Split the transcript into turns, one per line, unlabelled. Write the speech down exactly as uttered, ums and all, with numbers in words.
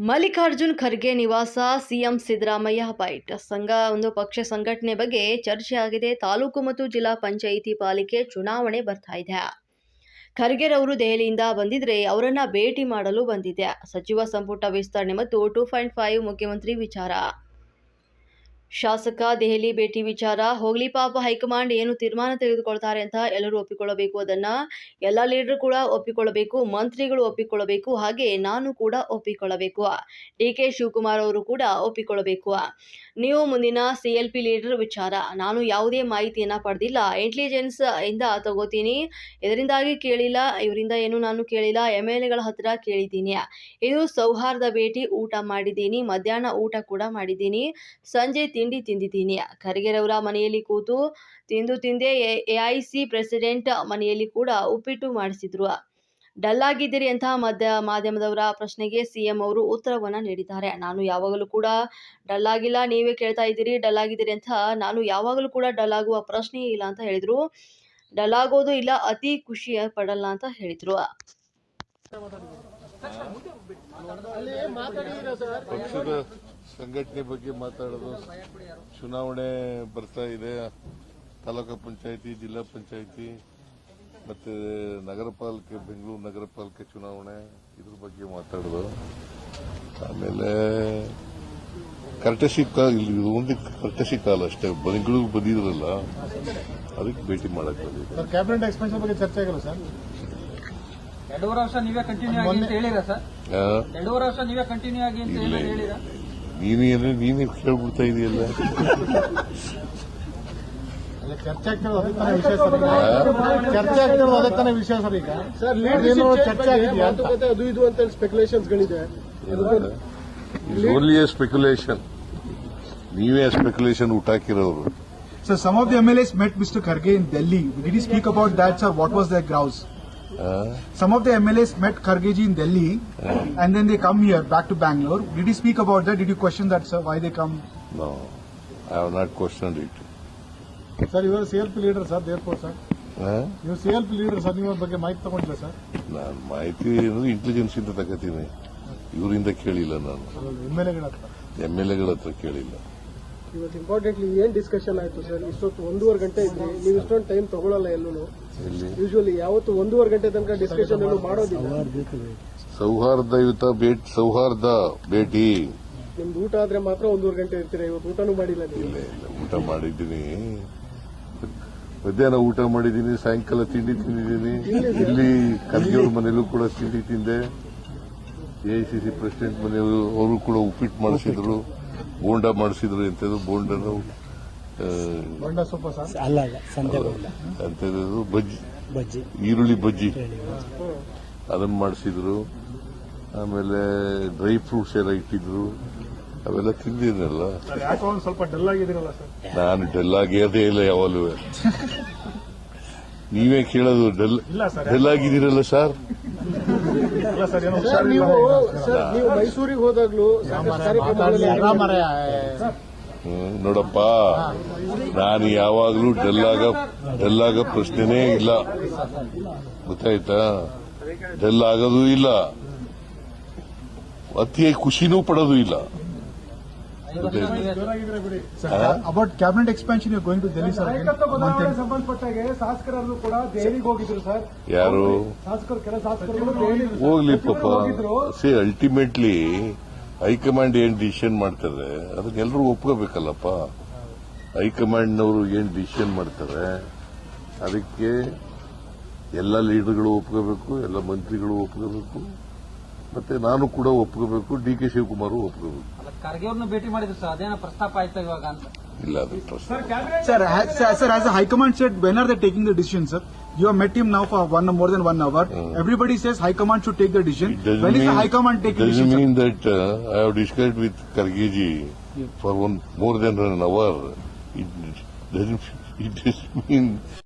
ಮಲ್ಲಿಕಾರ್ಜುನ್ ಖರ್ಗೆ ನಿವಾಸ CM Siddaramaiah byte. ಸಂಘ ಒಂದು ಪಕ್ಷ ಸಂಘಟನೆ ಬಗ್ಗೆ ಚರ್ಚೆ ಆಗಿದೆ. ತಾಲೂಕು ಮತ್ತು ಜಿಲ್ಲಾ ಪಂಚಾಯಿತಿ ಪಾಲಿಕೆ ಚುನಾವಣೆ ಬರ್ತಾ ಇದೆ. ಖರ್ಗೆರವರು ದೆಹಲಿಯಿಂದ ಬಂದಿದ್ರೆ ಅವರನ್ನ ಭೇಟಿ ಮಾಡಲು ಬಂದಿದೆ. ಸಚಿವ ಸಂಪುಟ ವಿಸ್ತರಣೆ ಮತ್ತು ಟೂ ಪಾಯಿಂಟ್ ಫೈವ್ ಮುಖ್ಯಮಂತ್ರಿ ವಿಚಾರ. ಶಾಸಕ ದೆಹಲಿ ಭೇಟಿ ವಿಚಾರ ಹೋಗ್ಲಿ ಪಾಪ, ಹೈಕಮಾಂಡ್ ಏನು ತೀರ್ಮಾನ ತೆಗೆದುಕೊಳ್ತಾರೆ ಅಂತ ಎಲ್ಲರೂ ಒಪ್ಪಿಕೊಳ್ಳಬೇಕು. ಅದನ್ನ ಎಲ್ಲ ಲೀಡರ್ ಕೂಡ ಒಪ್ಪಿಕೊಳ್ಳಬೇಕು, ಮಂತ್ರಿಗಳು ಒಪ್ಪಿಕೊಳ್ಳಬೇಕು, ಹಾಗೆ ನಾನು ಕೂಡ ಒಪ್ಪಿಕೊಳ್ಳಬೇಕು. ಡಿ ಕೆ ಶಿವಕುಮಾರ್ ಅವರು ಕೂಡ ಒಪ್ಪಿಕೊಳ್ಳಬೇಕು. ನೀವು ಮುಂದಿನ ಸಿ ಎಲ್ ಪಿ ಲೀಡರ್ ವಿಚಾರ ನಾನು ಯಾವುದೇ ಮಾಹಿತಿಯನ್ನ ಪಡೆದಿಲ್ಲ, ಇಂಟೆಲಿಜೆನ್ಸ್ ಇಂದ ತಗೋತೀನಿ, ಇದರಿಂದಾಗಿ ಕೇಳಿಲ್ಲ, ಇವರಿಂದ ಏನು ನಾನು ಕೇಳಿಲ್ಲ, ಎಂ ಎಲ್ ಎಗಳ ಹತ್ರ ಕೇಳಿದ್ದೀನಿ. ಇದು ಸೌಹಾರ್ದ ಭೇಟಿ. ಊಟ ಮಾಡಿದ್ದೀನಿ, ಮಧ್ಯಾಹ್ನ ಊಟ ಕೂಡ ಮಾಡಿದ್ದೀನಿ, ಸಂಜೆ ತಿಂಡಿ ತಿಂದಿದ್ದೀನಿ. ಖರ್ಗೆರವರ ಮನೆಯಲ್ಲಿ ಕೂತು ತಿಂದು ತಿಂದೆ. ಎಐಸಿ ಪ್ರೆಸಿಡೆಂಟ್ ಮನೆಯಲ್ಲಿ ಕೂಡ ಉಪ್ಪಿಟ್ಟು ಮಾಡಿಸಿದ್ರು. ಡಲ್ ಆಗಿದ್ದೀರಿ ಅಂತ ಮಧ್ಯ ಮಾಧ್ಯಮದವರ ಪ್ರಶ್ನೆಗೆ ಸಿಎಂ ಅವರು ಉತ್ತರವನ್ನ ನೀಡಿದ್ದಾರೆ. ನಾನು ಯಾವಾಗಲೂ ಕೂಡ ಡಲ್ ಆಗಿಲ್ಲ, ನೀವೇ ಕೇಳ್ತಾ ಇದ್ದೀರಿ ಡಲ್ ಆಗಿದ್ದೀರಿ ಅಂತ. ನಾನು ಯಾವಾಗಲೂ ಕೂಡ ಡಲ್ ಆಗುವ ಪ್ರಶ್ನೆಯೇ ಇಲ್ಲ ಅಂತ ಹೇಳಿದ್ರು. ಡಲ್ ಆಗೋದು ಇಲ್ಲ, ಅತಿ ಖುಷಿ ಪಡಲ್ಲ ಅಂತ ಹೇಳಿದ್ರು.
ಪಕ್ಷದ ಸಂಘಟನೆ ಬಗ್ಗೆ ಮಾತಾಡೋದು. ಚುನಾವಣೆ ಬರ್ತಾ ಇದೆ. ತಾಲೂಕು ಪಂಚಾಯಿತಿ, ಜಿಲ್ಲಾ ಪಂಚಾಯಿತಿ ಮತ್ತೆ ನಗರ ಪಾಲಿಕೆ, ಬೆಂಗಳೂರು ನಗರ ಪಾಲಿಕೆ ಚುನಾವಣೆ, ಇದ್ರ ಬಗ್ಗೆ ಮಾತಾಡೋದು. ಆಮೇಲೆ ಕರ್ಟಸಿ ಕಾಲ, ಇಲ್ಲಿ ಒಂದು ಕರ್ಟಸಿ ಕಾಲ ಅಷ್ಟೇ. ಬೆಂಗಳೂರು ಬಂದಿದ್ರಲ್ಲ, ಅದಕ್ಕೆ ಭೇಟಿ ಮಾಡಕ್ಕೆ ಬಂದಿದೆ.
ಕ್ಯಾಬಿನೆಟ್ ಎಕ್ಸ್ಪೆನ್ಷನ್ ಬಗ್ಗೆ ಚರ್ಚೆ ಆಗಿಲ್ಲ ಸರ್?
ಎರಡೂವರೆ ವರ್ಷ ನೀವೇ ಕಂಟಿನ್ಯೂ ಆಗಿ ಅಂತ ಹೇಳಿರಾ ಸರ್? ಎರಡೂವರೆ ವರ್ಷ ನೀವೇ ಕಂಟಿನ್ಯೂ ಆಗಿ ಅಂತ ಹೇಳಿರಾ?
ನೀನೇ ನೀನೇ ಕೇಳ್ಬಿಡ್ತಾ ಇದೆಯಲ್ಲ.
ಚರ್ಚೆ ಆಗ್ತಿರೋದು ಅದಕ್ಕೆ ತಾನೇ ವಿಷಯ ಸರ್. ಚರ್ಚೆ ಆಗ್ತಿರೋದು ಅದಕ್ಕೆ ತಾನೇ ವಿಷಯ ಸರ್. ಈಗ ಸರ್ ಏನು ಚರ್ಚೆ ಆಗಿದೆಯಾ ಮಾತುಕತೆ ಅದು ಇದು ಅಂತ ಸ್ಪೆಕ್ಯುಲೇಷನ್ಸ್ ಗಳಿದೆ.
Only a speculation. ನೀವೇ ಸ್ಪೆಕ್ಯುಲೇಷನ್ ಊಟ ಹಾಕಿರೋರು.
Sir, some of the M L As met Mister Kharge in Delhi. Did he speak about that, sir? What was their grouse?
Uh,
Some of the M L As met Kharge ji in Delhi, uh, and then they come here, back to Bangalore. Did he speak about that? Did you question that, sir? Why they come?
no, I have not questioned it.
Sir ಇವರು C L P leader sir, therefore sir.
Uh,
ನೀವು C L P leader sir, ನಿಮ್ಮ ಬಗ್ಗೆ ಮಾಹಿತಿ ತಗೊಂಡಿಲ್ಲ sir?
ನಾನು ಮಾಹಿತಿ intelligence ಇಂದ ತಗೋತೀನಿ, ಇವರಿಂದ ಕೇಳಿಲ್ಲ. ನಾನು
ಎಮ್ ಎಲ್ ಎಗಳ ಹತ್ರ,
ಎಂ ಎಲ್ ಎಗಳ ಹತ್ರ ಕೇಳಿಲ್ಲ.
ಇವತ್ತು ಇಂಪಾರ್ಟೆಂಟ್ಲಿ ಏನ್ ಡಿಸ್ಕಷನ್ ಆಯ್ತು ಸರ್? ಇಷ್ಟೊತ್ತು ಒಂದೂವರೆ ಗಂಟೆ ಇದ್ರಿ, ನೀವು ಇಷ್ಟೊಂದು ಟೈಮ್ ತಗೊಳ್ಳಲ್ಲ ಎಲ್ಲೂ. ಯೂಶುವಲಿ ಯಾವತ್ತು ಒಂದೂವರೆ ಗಂಟೆ ತನಕ ಡಿಸ್ಕಷನ್ ಏನು ಮಾಡೋದಿಲ್ಲ.
ಸೌಹಾರ್ದಯುತ ಭೇಟಿ, ಸೌಹಾರ್ದ ಭೇಟಿ.
ನಿಮ್ದು ಊಟ ಆದ್ರೆ ಮಾತ್ರ ಒಂದೂವರೆ ಗಂಟೆ ಇರ್ತೀರಾ. ಇವತ್ತು ಊಟನೂ ಮಾಡಿಲ್ಲ ನೀವು?
ಇಲ್ಲ ಇಲ್ಲ, ಊಟ ಮಾಡಿದ್ದೀನಿ. ಮಧ್ಯಾಹ್ನ ಊಟ ಮಾಡಿದ್ದೀನಿ, ಸಾಯಂಕಾಲ ತಿಂಡಿ ತಿಂದಿದ್ದೀನಿ. ಇಲ್ಲಿ ಖರ್ಗೆಯವ್ರ ಮನೆಯಲ್ಲೂ ಕೂಡ ತಿಂಡಿ ತಿಂದೆ. ಎಐಸಿಸಿ ಪ್ರೆಸಿಡೆಂಟ್ ಮನೆಯವರು ಅವರು ಕೂಡ ಉಪ್ಪಿಟ್ಟು ಮಾಡಿಸಿದ್ರು, ಬೋಂಡ ಮಾಡಿಸಿದ್ರು. ಎಂತದ್ದು ಬೋಂಡನು
ಬಂಡ ಸೊಪ್ಪ ಸರ್
ಅಲ್ಲ ಅಲ್ಲ,
ಅಂತದ್ದು ಬಜ್ಜಿ,
ಬಜ್ಜಿ,
ಈರುಳ್ಳಿ ಬಜ್ಜಿ ಅದನ್ನು ಮಾಡಿಸಿದ್ರು. ಆಮೇಲೆ ಡ್ರೈ ಫ್ರೂಟ್ಸ್ ಎಲ್ಲ ಇಟ್ಟಿದ್ರು, ಅವೆಲ್ಲ ತಿಂದಿದ್ನಲ್ಲ.
ಯಾಕೋ ಒಂದು ಸ್ವಲ್ಪ ಡಲ್ ಆಗಿದ್ದೀರಲ್ಲ ಸರ್?
ನಾನು ಡಲ್ ಆಗಿರೋದೇ ಇಲ್ಲ ಯಾವಾಗಲೂ. ನೀವೇ ಕೇಳೋದು ಡಲ್ ಡಲ್ ಆಗಿದ್ದೀರಲ್ಲ ಸರ್?
ಸರ್ ನೀವು ಸರ್ ನೀವು ಮೈಸೂರಿಗೆ ಹೋದಾಗ್ಲೂ
ನೋಡಪ್ಪ, ನಾನು ಯಾವಾಗಲೂ ಡಲ್ಲಾಗ ಡಲ್ಲಾಗ ಪ್ರಶ್ನೆನೇ ಇಲ್ಲ, ಗೊತ್ತಾಯ್ತಾ? ಡಲ್ ಆಗೋದು ಇಲ್ಲ, ಅತಿಯಾಗಿ ಖುಷಿನೂ ಪಡೋದು ಇಲ್ಲ.
About cabinet expansion, you're going to Delhi, sir.
ಸಂಬಂಧಪಟ್ಟಾಗೆ ಶಾಸಕರಲ್ಲೂ ಕೂಡ ದೆಹಲಿಗೆ ಹೋಗಿದ್ರು ಸರ್.
ಯಾರು
ಶಾಸಕರು, ಕೆಲ ಶಾಸಕರು ದೆಹಲಿಗೆ
ಹೋಗ್ಲಿ ಪಾಪ. ಸಿ ಅಲ್ಟಿಮೇಟ್ಲಿ ಹೈಕಮಾಂಡ್ ಏನ್ ಡಿಸಿಷನ್ ಮಾಡ್ತಾರೆ ಅದನ್ನೆಲ್ಲರೂ ಒಪ್ಕೋಬೇಕಲ್ಲಪ್ಪ. ಹೈಕಮಾಂಡ್ನವರು ಏನ್ ಡಿಸಿಷನ್ ಮಾಡ್ತಾರೆ ಅದಕ್ಕೆ ಎಲ್ಲ ಲೀಡರ್ಗಳು ಒಪ್ಕೋಬೇಕು, ಎಲ್ಲ ಮಂತ್ರಿಗಳು ಒಪ್ಕೋಬೇಕು, ಮತ್ತೆ ನಾನು ಕೂಡ ಒಪ್ಕೋಬೇಕು, ಡಿ ಕೆ ಶಿವಕುಮಾರ್ ಒಪ್ಕೋಬೇಕು.
ಖರ್ಗೆ ಅವ್ರನ್ನ ಭೇಟಿ ಮಾಡಿದ್ರು ಸರ್, ಅದೇನೋ ಪ್ರಸ್ತಾಪ ಆಯ್ತಾ ಇವಾಗ ಅಂತ?
ಇಲ್ಲ, ಅದು ಪ್ರಶ್ನೆ.
Sir, has, sir, as the High Command said, when are they taking the decision, sir? You have met him now for one more than one hour. Mm. Everybody says High Command should take the decision. When is the High Command taking the decision?
It doesn't mean that uh, I have discussed with Khargeji yeah. for one more than an hour. It doesn't. It doesn't mean